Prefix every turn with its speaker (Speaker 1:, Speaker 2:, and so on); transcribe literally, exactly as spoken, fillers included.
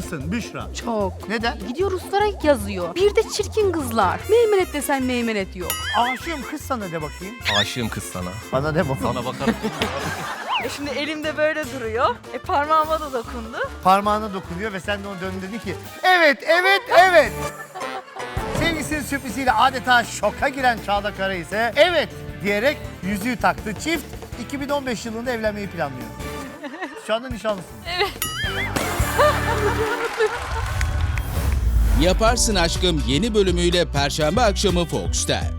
Speaker 1: mısın Büşra?
Speaker 2: Çok.
Speaker 1: Neden?
Speaker 2: Gidiyor Ruslara yazıyor. Bir de çirkin kızlar. Meymenet desen meymenet yok.
Speaker 1: Aşığım kız sana de bakayım.
Speaker 3: Aşığım kız sana.
Speaker 1: Bana de baba.
Speaker 3: Sana bakarım.
Speaker 4: E şimdi elimde böyle duruyor. E parmağıma da dokundu.
Speaker 1: Parmağına dokunuyor ve sen de ona döndün dedin ki evet, evet, evet. Sevgisinin sürpriziyle adeta şoka giren Çağla Kara ise evet diyerek yüzüğü taktı. Çift iki bin on beş yılında evlenmeyi planlıyor. Şu anda nişanlısın.
Speaker 5: Yaparsın Aşkım yeni bölümüyle Perşembe akşamı Fox'ta.